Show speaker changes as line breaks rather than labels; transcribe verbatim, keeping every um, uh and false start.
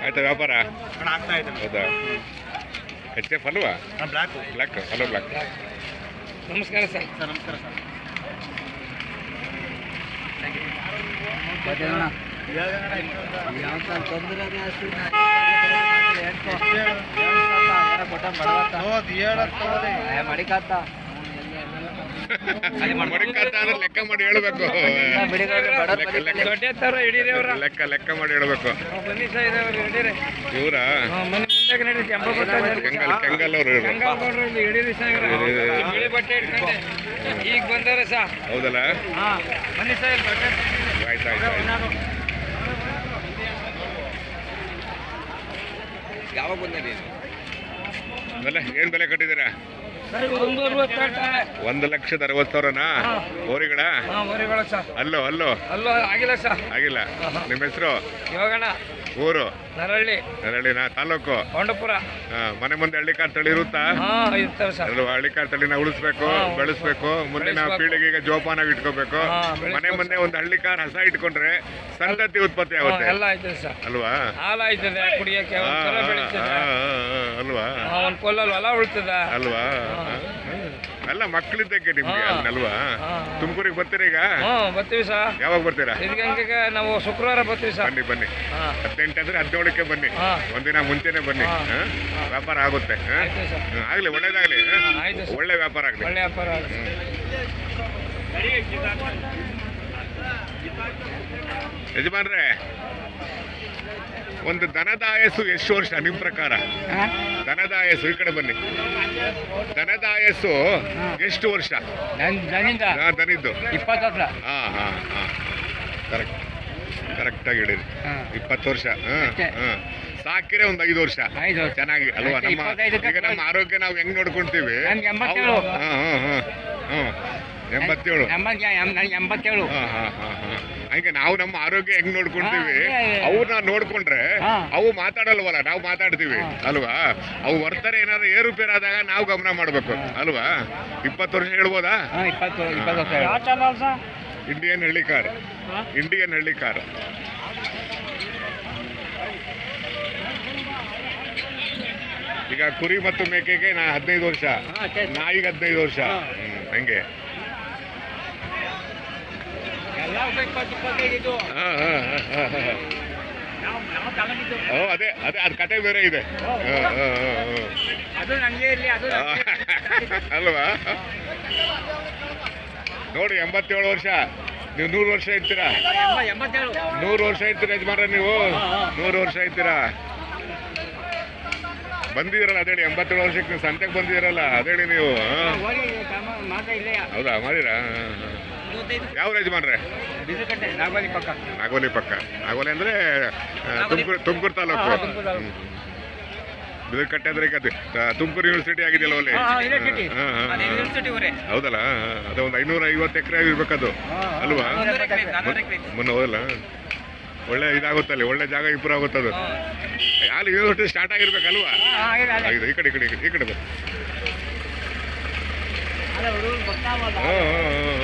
ಆಯ್ತಾ ವ್ಯಾಪಾರ?
ಆಗ್ತಾ ಇದೆ.
ಹೌದಾ? ಎಚ್ ಎಫ್ ಅಲ್ವಾ?
Black
black hello black.
ನಮಸ್ಕಾರ ಸರ್.
ಸರ್ ನಮಸ್ಕಾರ ಸರ್.
ಲೆಕ್ಕ ಮಾಡಿ ಹೇಳ್ಬೇಕು. ಲೆಕ್ಕ ಲೆಕ್ಕ ಮಾಡಿ ಹೇಳ್ಬೇಕು. ಇವರ ಕೆಂಗಲ್ ಅವರು
ಈಗ ಬಂದವ್ರೆ ಸಾ.
ಹೌದಲ್ಲ? ಆಯ್ತು ಆಯ್ತು
ಯಾವಾಗ ಬಂದಿರಿ?
ಆಮೇಲೆ ಏನ್ ಬೆಲೆ ಕಟ್ಟಿದ್ದೀರಾ? ಒಂದು ಲಕ್ಷದ ಅರವತ್ತು ಸಾವಿರನಾ? ಓರಿಗಳ ಅಲ್ಲೋ ಅಲ್ಲೋ
ಅಲ್ಲೋ ಆಗಿಲ್ಲ ಸರ್.
ಆಗಿಲ್ಲ. ನಿಮ್ಮ ಹೆಸರು?
ಇವಾಗಣ್ಣ
ಊರು?
ನರಳ್ಳಿ.
ನರಳ್ಳಿನ ತಾಲೂಕು?
ಕೊಂಡಪುರ.
ಮನೆ ಮುಂದೆ ಹಳ್ಳಿಕಾರ್ ತಳಿ ಇರುತ್ತಾ? ಅಲ್ವಾ? ಹಳ್ಳಿಕಾರ್ ತಳಿನ ಉಳಿಸ್ಬೇಕು, ಬೆಳೆಸ್ಬೇಕು, ಮುಂದಿನ ಪೀಳಿಗೆಗೆ ಜೋಪಾನಾಗಿ ಇಟ್ಕೋಬೇಕು. ಮನೆ ಮುಂದೆ ಒಂದು ಹಳ್ಳಿಕಾರ್ ಹಸ ಇಟ್ಕೊಂಡ್ರೆ ಸಂತತಿ ಉತ್ಪತ್ತಿ ಆಗುತ್ತೆ.
ಎಲ್ಲ ಆಯ್ತದೆ ಸರ್.
ಅಲ್ವಾ?
ಹಾಲು ಆಯ್ತದೆ ಕುಡಿಯಕ್ಕೆ,
ಅಲ್ವಾ?
ಒಂದ್ ಕೊಲ್ಲಲ್ಲಿ ಹೊಲ ಉಳ್ತದ
ಅಲ್ವಾ? ಅಲ್ಲ ಮಕ್ಕಳಿದ್ದಕ್ಕೆ ನಿಮ್ಗೆ ಅಲ್ವಾ? ತುಮಕೂರಿಗೆ ಬರ್ತೀರಾ ಈಗ?
ಬರ್ತೀವಿ ಸರ್.
ಯಾವಾಗ ಬರ್ತೀರಾ?
ಇದಕ್ಕೆ ನಾವು ಶುಕ್ರವಾರ ಬರ್ತೀವಿ ಸರ್.
ಬನ್ನಿ ಬನ್ನಿ. ಹದಿನೆಂಟು ಅಂದ್ರೆ ಹದಿನೇಳಕ್ಕೆ ಬನ್ನಿ. ಒಂದಿನ ಮುಂಚೆನೆ ಬನ್ನಿ. ವ್ಯಾಪಾರ ಆಗುತ್ತೆ. ಆಗ್ಲಿ, ಒಳ್ಳೇದಾಗ್ಲಿ. ಒಳ್ಳೆ ವ್ಯಾಪಾರ ಆಗ್ಲಿ.
ಒಳ್ಳೆ ವ್ಯಾಪಾರ ಆಗಲಿ.
ಯಜಮಾನ್ರೆ, ಒಂದು ದನದ ಆಯಸ್ಸು ಎಷ್ಟು ವರ್ಷ ನಿಮ್ ಪ್ರಕಾರ? ದನದ ಆಯಸ್ಸು, ಈ ಕಡೆ ಬನ್ನಿ. ದನದ ಆಯಸ್ಸು ಎಷ್ಟು ವರ್ಷ? ದನಿದ್ದು
ಇಪ್ಪತ್ತು ವರ್ಷ.
ಹಾ ಹಾ ಹಾ ಕರೆಕ್ಟ್ ಕರೆಕ್ಟ್ ಆಗಿ ಹೇಳಿರಿ. ಇಪ್ಪತ್ತು ವರ್ಷ. ಸಾಕಿರೆ ಒಂದು ಐದು ವರ್ಷ ಚೆನ್ನಾಗಿ ಅಲ್ವಾ? ನಮ್ಮ ಈಗ ನಮ್ಮ ಆರೋಗ್ಯ ನಾವು ಹೆಂಗ್ ನೋಡ್ಕೊಂತೀವಿ?
ಎಂಬತ್ತೇಳು.
ಹಾ ಹಾ ಹಾ ಹ್ಮ್ ಎಂಬತ್ತೇಳು.
ಎಂಬತ್ತೇಳು.
ಹಾ ಹಾ ಹಾ ಹಾ ಹಂಗೆ ನಾವು ನಮ್ಮ ಆರೋಗ್ಯ ಹೆಂಗ್ ನೋಡ್ಕೊಂತೀವಿ ಅವ್ರನ್ನ ನೋಡ್ಕೊಂಡ್ರೆ ಅವು ಮಾತಾಡಲ್ವಲ್ಲ, ನಾವು ಮಾತಾಡ್ತೀವಿ ಅಲ್ವಾ? ಅವು ವರ್ತನೆ ಏನಾದ್ರು ಏರುಪೇರಾದಾಗ ನಾವು ಗಮನ ಮಾಡ್ಬೇಕು ಅಲ್ವಾ? ಇಪ್ಪತ್ತು ವರ್ಷ ಹೇಳ್ಬೋದಾ? ಇಂಡಿಯನ್ ಹಳ್ಳಿಕಾರ್. ಇಂಡಿಯನ್ ಹಳ್ಳಿಕಾರ್. ಈಗ ಕುರಿ ಮತ್ತು ಮೇಕೆಗೆ ನಾ ಹದಿನೈದು ವರ್ಷ, ನಾಯಿಗೆ ಹದಿನೈದು ವರ್ಷ. ಹಂಗೆ ಅದೇ ಅದೇ ಅದ್ ಕತೆ ಬೇರೆ ಇದೆ ಅಲ್ವಾ? ನೋಡಿ, ಎಂಬತ್ತೇಳು ವರ್ಷ. ನೀವು ನೂರು ವರ್ಷ ಇರ್ತೀರಾ? ನೂರು ವರ್ಷ ಇರ್ತೀರ ಯಜಮಾನ್ರ ನೀವು? ನೂರು ವರ್ಷ ಇರ್ತೀರಾ? ಬಂದಿದ್ದೀರಲ್ಲ ಅದೇಳಿ, ಎಂಬತ್ತೇಳು ವರ್ಷಕ್ಕೆ ನೀವು ಸಂತೆಗೆ ಬಂದಿದ್ದೀರಲ್ಲ ಅದೇಳಿ ನೀವು. ಹೌದಾ? ಮಾಡಿರಾ? ಯಾವ ಯಜಮಾನ್ರೆ?
ನಾಗೋಲಿ ಪಕ್ಕ.
ನಾಗೋಲಿ ಪಕ್ಕ. ನಾಗೋಲಿ ಅಂದ್ರೆ ತುಮಕೂರು ತುಮಕೂರು ತಾಲೂಕು. ಬಿದರ್ಕಟ್ಟೆ ಅಂದ್ರೆ ಈಗ ತುಮಕೂರು ಯೂನಿವರ್ಸಿಟಿ ಆಗಿದೆಯಲ್ಲ ಅಲ್ಲಿ? ಹೌದಲ್ಲ? ಅದ ಒಂದು ಐನೂರ ಐವತ್ತು ಎಕರೆ ಇರ್ಬೇಕದು ಅಲ್ವಾ? ಮೊನ್ನೆ ಹೋದಲ್ಲ? ಒಳ್ಳೆ ಇದಾಗುತ್ತಲ್ಲಿ, ಒಳ್ಳೆ ಜಾಗ ಇಂಪ್ರೂವ್ ಆಗುತ್ತದು. ಅಲ್ಲಿ ಯೂನಿವರ್ಸಿಟಿ ಸ್ಟಾರ್ಟ್ ಆಗಿರ್ಬೇಕಲ್ವಾ? ಈ ಕಡೆ ಈ ಕಡೆ ಈ ಕಡೆ ಬರ್.